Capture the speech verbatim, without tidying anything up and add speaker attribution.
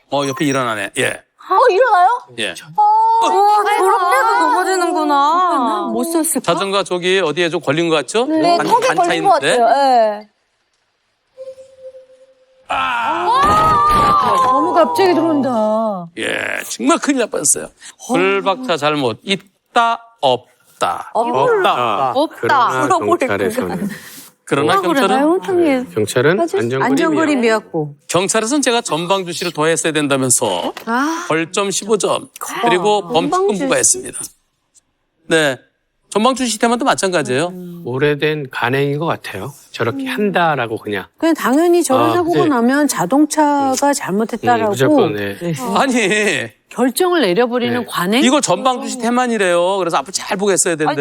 Speaker 1: 어, 옆에 일어나네. 예.
Speaker 2: 어, 일어나요?
Speaker 1: 예.
Speaker 2: 어,
Speaker 3: 저렇게도 넘어지는구나. 못 썼을까?
Speaker 1: 자전거 저기 어디에 좀 걸린 것 같죠?
Speaker 2: 네,
Speaker 1: 반-
Speaker 2: 턱에
Speaker 1: 반차
Speaker 2: 걸린 것
Speaker 1: 있는데.
Speaker 2: 같아요. 예.
Speaker 3: 너무 갑자기 들어온다.
Speaker 1: 예, 정말 큰일 날 뻔했어요. 불박차 잘못 있다 없다.
Speaker 4: 없다.
Speaker 3: 없다.
Speaker 4: 그러나
Speaker 3: 물어보랬구나.
Speaker 4: 경찰에서는
Speaker 1: 그러나 경찰은
Speaker 4: 네, 경찰은 안전거리
Speaker 3: 안전거리
Speaker 4: 미약.
Speaker 3: 미약고.
Speaker 1: 경찰에서는 제가 전방주시를 더 했어야 된다면서 벌점 십오 점 그리고 범칙금 부과했습니다. 네, 전방주시 테마도 마찬가지예요.
Speaker 4: 오래된 간행인 것 같아요. 저렇게 한다라고 그냥.
Speaker 3: 그냥 당연히 저런
Speaker 4: 아,
Speaker 3: 사고가
Speaker 4: 네.
Speaker 3: 나면 자동차가 잘못했다라고
Speaker 4: 음, 무조건, 네.
Speaker 1: 아니
Speaker 3: 결정을 내려버리는
Speaker 4: 네.
Speaker 3: 관행.
Speaker 1: 이걸 전방주시 테만이래요. 그래서 앞으로 잘 보고 했어야 되는데.